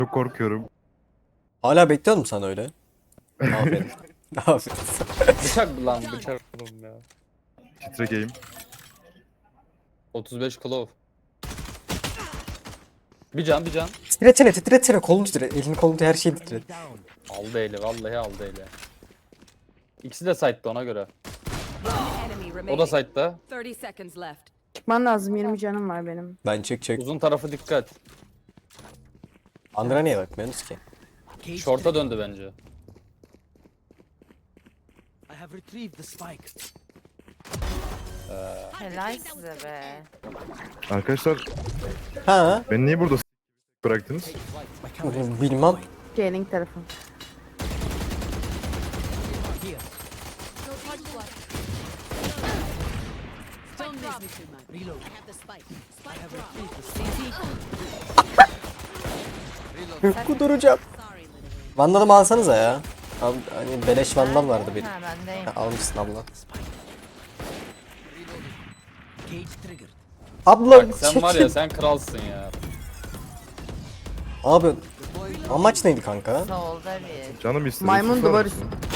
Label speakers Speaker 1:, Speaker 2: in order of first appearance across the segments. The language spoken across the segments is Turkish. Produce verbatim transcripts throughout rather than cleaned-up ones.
Speaker 1: Çok korkuyorum.
Speaker 2: Hala bekliyor musun sen öyle? Aferin. Aferin.
Speaker 3: Bıçak mı lan bıçak oğlum ya.
Speaker 1: Titrek
Speaker 3: otuz beş Claw. Bir can bir can.
Speaker 2: Titretsene titretsene kolunu titret. Elini kolunu her şeyi titret.
Speaker 3: Aldı eli vallahi aldı eli. İkisi de site'da ona göre. O da site'da.
Speaker 4: thirty seconds left.
Speaker 5: Çıkman lazım, yirmi canım var benim.
Speaker 2: Ben çek çek.
Speaker 3: Uzun tarafı dikkat.
Speaker 2: Andra niye bakmıyorsunuz ki?
Speaker 3: Short'a döndü bence.
Speaker 6: I have retrieved the spike.
Speaker 7: Helal size be.
Speaker 1: Arkadaşlar
Speaker 2: Ha?
Speaker 1: beni niye burada s- bıraktınız?
Speaker 2: Bilmem.
Speaker 5: Jailing tarafı.
Speaker 4: Don't miss me too much.
Speaker 6: Reload.
Speaker 4: I have the spike. Spike
Speaker 6: I have
Speaker 4: drop.
Speaker 6: retrieved the spike.
Speaker 2: Kuduracağım.
Speaker 4: Sorry, little one.
Speaker 2: Vandalımı alsanıza ya. Al, hani beleş vandal vardı benim.
Speaker 7: Ha bendeyim.
Speaker 2: Ha, almışsın abla.
Speaker 6: Cage triggered.
Speaker 2: Abla
Speaker 3: Bak sen var ya
Speaker 2: çekil.
Speaker 3: sen kralsın ya.
Speaker 2: Abi amaç neydi kanka?
Speaker 7: Solda bir.
Speaker 1: Canım istedi.
Speaker 5: Maymun
Speaker 1: susar
Speaker 5: duvar
Speaker 1: mısın?
Speaker 5: üstü.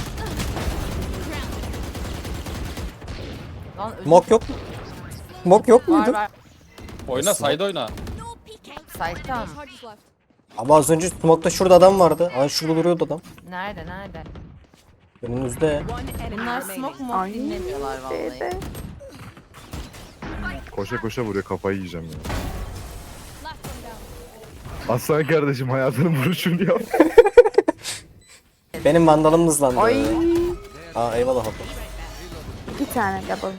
Speaker 7: Lan ödüm
Speaker 2: Mok yok mu? Mok yok
Speaker 7: var
Speaker 2: muydu?
Speaker 7: var.
Speaker 3: Oyna side oyna.
Speaker 7: Site'ta mı?
Speaker 2: Ama az önce smoke'ta şurada adam vardı. Ay şurada duruyordu adam.
Speaker 7: Nerede nerede?
Speaker 2: Önünüzde.
Speaker 4: One enemy
Speaker 7: Bunlar
Speaker 4: remaining.
Speaker 7: smoke mu?
Speaker 5: Ay.
Speaker 7: Dinlemiyorlar vallahi.
Speaker 5: B'de.
Speaker 1: Koşa koşa vuruyor, kafayı yiyeceğim ya. Aslan kardeşim hayatının vuruşunu yap.
Speaker 2: Benim vandalım hızlandı.
Speaker 5: Ay.
Speaker 2: Aa eyvallah abla.
Speaker 5: İki tane double.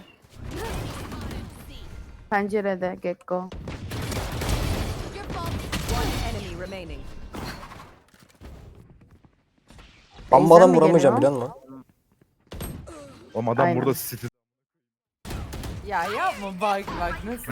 Speaker 5: Pencerede Gekko.
Speaker 4: One enemy remaining.
Speaker 2: Ben bu adam
Speaker 5: mi
Speaker 2: vuramayacağım biliyor
Speaker 5: geliyor?
Speaker 2: musun?
Speaker 1: Oğlum adam
Speaker 5: Aynen.
Speaker 1: burada siti.
Speaker 7: Ya yapma bak bak nasıl?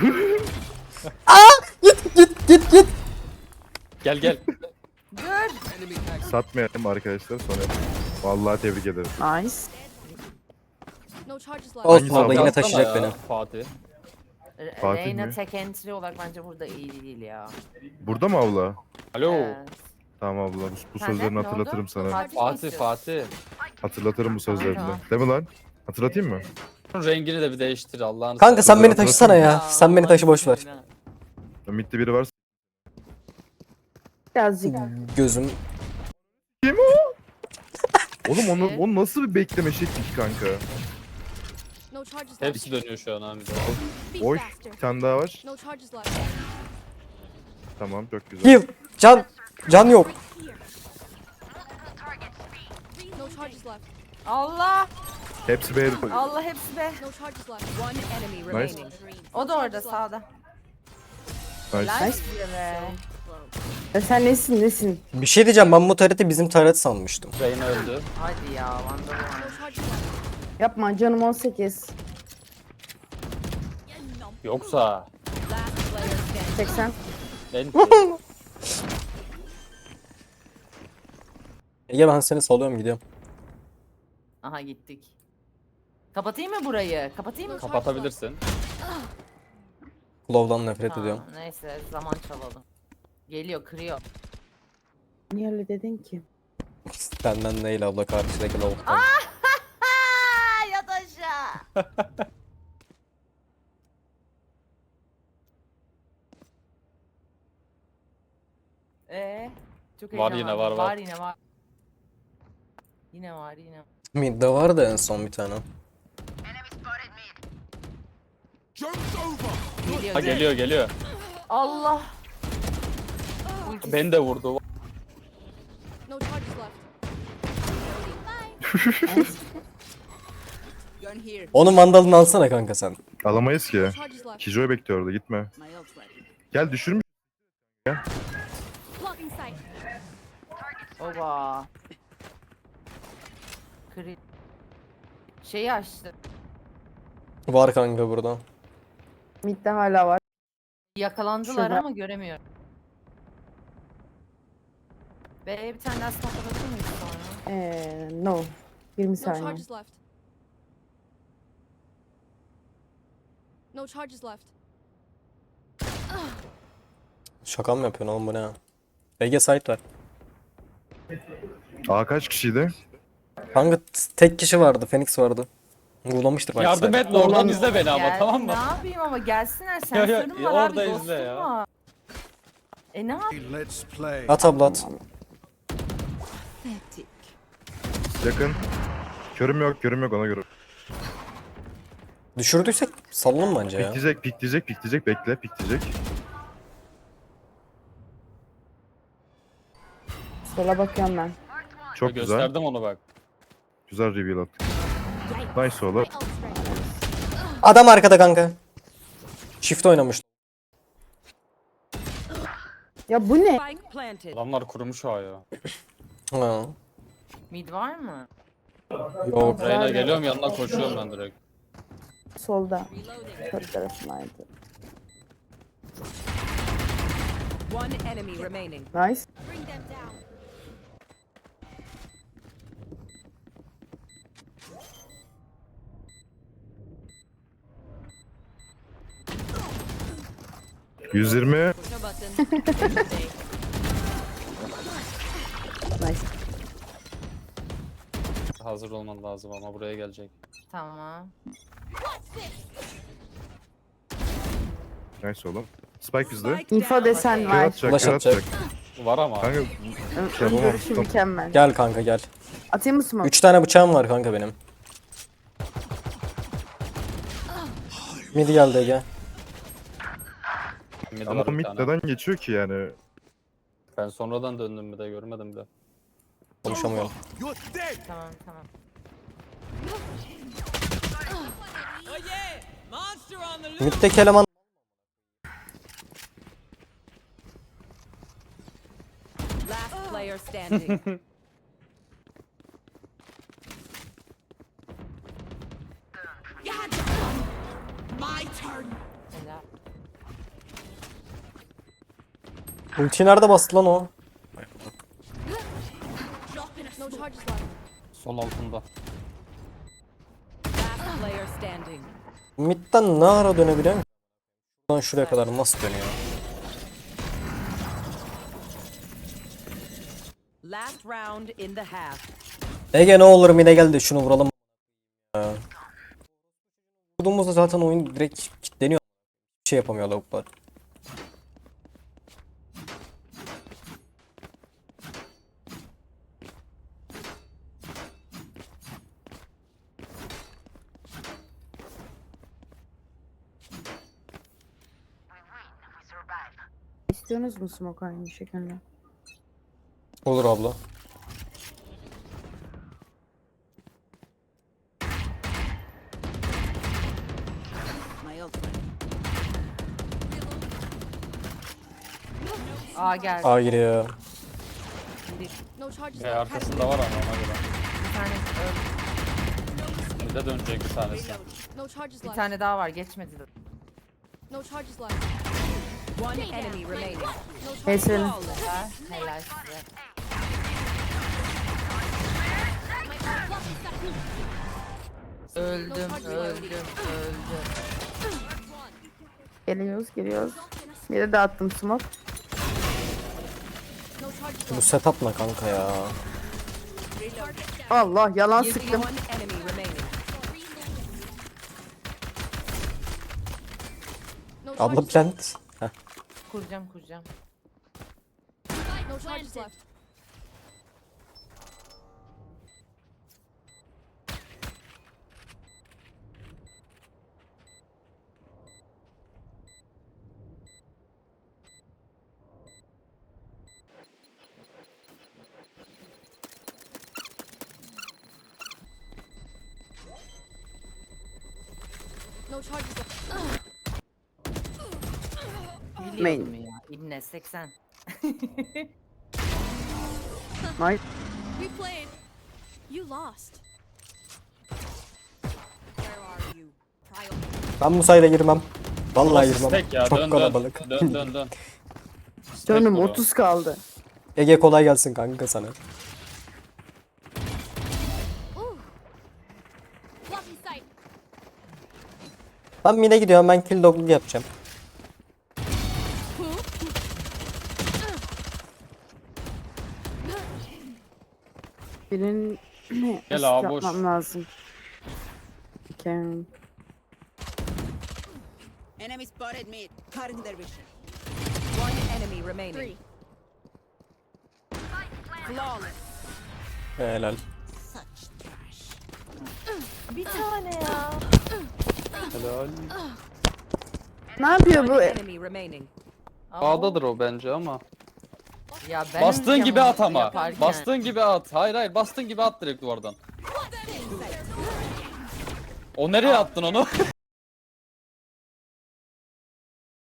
Speaker 2: Git git git git.
Speaker 3: Gel gel.
Speaker 1: Satmayalım arkadaşlar sonra. Vallahi tebrik ederim.
Speaker 5: Nice.
Speaker 4: No charges left.
Speaker 2: Olsun abla
Speaker 1: abla?
Speaker 2: yine
Speaker 3: Atsana
Speaker 2: taşıyacak
Speaker 3: ya,
Speaker 2: beni.
Speaker 3: Fatih.
Speaker 7: Re-
Speaker 1: Fatih
Speaker 7: Reyna
Speaker 1: mi?
Speaker 7: tek entry olarak bence burada iyi değil ya.
Speaker 1: Burada mı abla?
Speaker 3: Alo.
Speaker 7: Evet.
Speaker 1: Tamam abla bu, bu
Speaker 7: Senden
Speaker 1: sözlerini
Speaker 7: ne oldu?
Speaker 1: hatırlatırım sana.
Speaker 7: Fatih mi
Speaker 3: Fatih
Speaker 7: istiyorsun?
Speaker 3: Fatih.
Speaker 1: Hatırlatırım bu sözlerini.
Speaker 7: Tamam.
Speaker 1: Değil mi lan? Hatırlatayım mı?
Speaker 3: Rengini de bir değiştir Allah'ını
Speaker 2: Kanka sen
Speaker 3: seversen.
Speaker 2: beni taşısana ya. Sen beni taşı boş ver.
Speaker 1: Ümitli biri varsa.
Speaker 5: Birazcık.
Speaker 2: Gözüm.
Speaker 1: Oğlum onu, onu nasıl bir bekleme şekli ki kanka?
Speaker 4: No charges left.
Speaker 3: Hepsi dönüyor şu an abi.
Speaker 4: Be
Speaker 1: Oy
Speaker 4: faster.
Speaker 1: bir tane daha var.
Speaker 4: No charges left.
Speaker 1: Tamam çok güzel.
Speaker 2: Heal. Can. Can yok.
Speaker 4: No charges left.
Speaker 7: Allah!
Speaker 1: Hepsi B.
Speaker 7: Allah hepsi be.
Speaker 4: No charges left. One enemy remaining.
Speaker 7: O da orada sağda.
Speaker 1: Nice.
Speaker 7: Helal size be.
Speaker 5: Ya sen nesin nesin?
Speaker 2: Bir şey diyeceğim ben bu tareti bizim taret sanmıştım.
Speaker 3: Reyna öldü.
Speaker 7: Hadi ya Vandal.
Speaker 4: No charges left.
Speaker 5: Yapma canım on sekiz.
Speaker 3: Yoksa.
Speaker 4: Last player standing.
Speaker 5: seksen.
Speaker 3: Enti.
Speaker 2: Ege ben seni salıyorum gidiyorum.
Speaker 7: Aha gittik. Kapatayım mı burayı? Kapatayım mı?
Speaker 3: Kapatabilirsin.
Speaker 2: Glow'dan nefret
Speaker 7: Tamam,
Speaker 2: ediyorum.
Speaker 7: neyse zaman çalalım. Geliyor kırıyor.
Speaker 5: Niye öyle dedin ki?
Speaker 2: Benden değil abla karşıdaki lavuktan.
Speaker 7: Ha yat aşağı. Ee, çok
Speaker 3: Var yine,
Speaker 7: heyecanlandım.
Speaker 3: var, var.
Speaker 7: Var yine var. Yine var yine.
Speaker 2: Mid'de vardı en son bir tane.
Speaker 6: Joke's over.
Speaker 7: Geliyor.
Speaker 3: Ha geliyor geliyor.
Speaker 7: Allah.
Speaker 3: Beni de vurdu.
Speaker 4: No charges left. Gun here.
Speaker 2: Onun vandalını alsana kanka sen.
Speaker 1: Alamayız ki.
Speaker 4: No charges left.
Speaker 1: Kijoy bekliyor orada gitme.
Speaker 4: My ult's ready.
Speaker 1: Gel düşürmüş.
Speaker 4: Blocking sight.
Speaker 7: Oba. Kri... Şeyi açtı.
Speaker 2: Var kanka burada.
Speaker 5: Mid'de hala var.
Speaker 7: Yakalandılar
Speaker 5: Şurada.
Speaker 7: ama göremiyorum. Be bir tane daha smoke atabilir miyiz sonra?
Speaker 5: Eee no. yirmi
Speaker 4: No
Speaker 5: saniye.
Speaker 4: charges left. No charges left.
Speaker 2: Şaka mı yapıyorsun oğlum bu ne ya? B G site var.
Speaker 1: Aa kaç kişiydi?
Speaker 2: Kanka t- tek kişi vardı. Phoenix vardı. Vurulamıştır belki
Speaker 3: Yardım
Speaker 2: site.
Speaker 3: et oradan izle beni ama
Speaker 7: Gel-
Speaker 3: tamam
Speaker 7: Ne
Speaker 3: mı?
Speaker 7: yapayım ama gelsinler
Speaker 3: Ya, ya,
Speaker 7: sensörüm
Speaker 3: ya,
Speaker 7: var abi
Speaker 3: orada izle
Speaker 7: dostum
Speaker 3: ya.
Speaker 7: var. E ne yapayım?
Speaker 6: Let's play.
Speaker 2: At abla at.
Speaker 1: Yakın. Körüm yok, körüm yok ona göre.
Speaker 2: Düşürdüysek sallalım bence ya.
Speaker 1: Pikleyecek, pikleyecek, pikleyecek. Bekle, pikleyecek.
Speaker 5: Sola bakıyorum ben.
Speaker 1: Çok güzel.
Speaker 3: Gösterdim onu bak.
Speaker 1: Güzel reveal attık. Nice oğlum.
Speaker 4: My ult's ready.
Speaker 2: Adam arkada kanka. Shift oynamış.
Speaker 5: Ya bu ne?
Speaker 7: Spike planted.
Speaker 3: Adamlar kurumuş ha ya.
Speaker 2: Ha.
Speaker 7: Mid var mı?
Speaker 2: Yok.
Speaker 3: Reyna geliyorum yanına koşuyorum ben direkt.
Speaker 5: Solda. Kör tarafındaydı.
Speaker 7: One enemy remaining.
Speaker 5: Nice.
Speaker 4: Bring them down.
Speaker 1: yüz yirmi.
Speaker 4: No button.
Speaker 5: Nice.
Speaker 3: Hazır olman lazım ama buraya gelecek.
Speaker 7: Tamam.
Speaker 1: Nice oğlum. Spike bizde.
Speaker 5: Info desen
Speaker 1: Kör
Speaker 5: var.
Speaker 1: atacak,
Speaker 2: Flash
Speaker 1: kör
Speaker 2: atacak.
Speaker 1: atacak.
Speaker 3: Var ama.
Speaker 1: Kanka
Speaker 5: Ön,
Speaker 1: şey
Speaker 5: ön
Speaker 1: yapamam.
Speaker 5: görüşü mükemmel.
Speaker 2: Gel kanka gel.
Speaker 5: Atayım mı smoke?
Speaker 2: Üç tane bıçağım var kanka benim. Midi geldi Ege.
Speaker 3: Mid
Speaker 1: Ama
Speaker 3: var
Speaker 1: o
Speaker 3: bir
Speaker 1: mid
Speaker 3: tane.
Speaker 1: neden geçiyor ki yani?
Speaker 3: Ben sonradan döndüm bir de görmedim bile.
Speaker 2: Konuşamıyorum.
Speaker 6: You're dead.
Speaker 7: Tamam tamam.
Speaker 2: Mid'deki eleman
Speaker 7: Last player standing. Helal.
Speaker 2: ulti nerede bastı lan o?
Speaker 4: No charges left.
Speaker 3: Sol altında.
Speaker 7: Last player standing.
Speaker 2: Mid'den ne ara dönebiliyor musun? Şuradan şuraya kadar nasıl dönüyor?
Speaker 7: Last round in the half.
Speaker 2: Ege ne olur mid'e gel de şunu vuralım. Ya. Vurduğumuzda zaten oyun direkt kilitleniyor. Bir şey yapamıyor lavuklar.
Speaker 5: İstiyorsunuz mu smoke aynı şekilde?
Speaker 2: Olur abla.
Speaker 7: My ult ready. Aa gel.
Speaker 2: A giriyor.
Speaker 4: No charges
Speaker 3: E
Speaker 4: left.
Speaker 3: arkasında var ama ona göre.
Speaker 7: Bir tane öldü.
Speaker 3: Bir de dönecek bir tanesi.
Speaker 4: No charges
Speaker 7: Bir
Speaker 4: left.
Speaker 7: tane daha var geçmedi de.
Speaker 4: No charges left.
Speaker 7: One enemy remaining.
Speaker 4: No charges
Speaker 5: Neyse.
Speaker 7: Helal, helal size. Öldüm, öldüm, öldüm.
Speaker 5: Geliyoruz, geliyoruz. Bir de dağıttım smoke.
Speaker 4: No charges
Speaker 2: Bu
Speaker 4: left.
Speaker 2: setup ne kanka ya?
Speaker 5: Allah yalan
Speaker 7: One
Speaker 5: sıktım.
Speaker 7: enemy remaining.
Speaker 4: No
Speaker 2: Abla
Speaker 4: charges
Speaker 2: plant. Heh.
Speaker 7: Kuracağım, kuracağım.
Speaker 4: No charges left. No charges left.
Speaker 7: Biliyordum ya. İbne seksen.
Speaker 5: Nice.
Speaker 4: We played. You lost. Where are you? Trial.
Speaker 2: Ben bu sayıda girmem. Vallahi
Speaker 3: Burası
Speaker 2: girmem.
Speaker 3: stack ya
Speaker 2: Çok
Speaker 3: dön
Speaker 2: kalabalık.
Speaker 3: dön. Dön dön dön. Stack
Speaker 5: Canım
Speaker 3: bura.
Speaker 5: otuz kaldı.
Speaker 2: Ege kolay gelsin kanka sana.
Speaker 4: Ooh. Blocking sight.
Speaker 2: Ben mid'e gidiyorum, ben kill dogluk yapacağım.
Speaker 5: Birinin
Speaker 3: Gel
Speaker 5: asist
Speaker 3: abi, boş.
Speaker 5: yapmam lazım. Okay.
Speaker 8: Enemy spotted mid. Cutting their vision.
Speaker 7: One enemy remaining.
Speaker 4: Three.
Speaker 8: Flawless.
Speaker 2: Helal.
Speaker 8: Such trash.
Speaker 7: Bir tane ya.
Speaker 3: Helal.
Speaker 5: Ne yapıyor bu?
Speaker 7: One enemy remaining. Ama
Speaker 3: A'dadır o bence ama.
Speaker 7: Ya benim
Speaker 3: Bastığın gibi at ama.
Speaker 7: yaparken-
Speaker 3: Bastığın gibi at. Hayır hayır bastığın gibi at direkt duvardan. O nereye attın onu?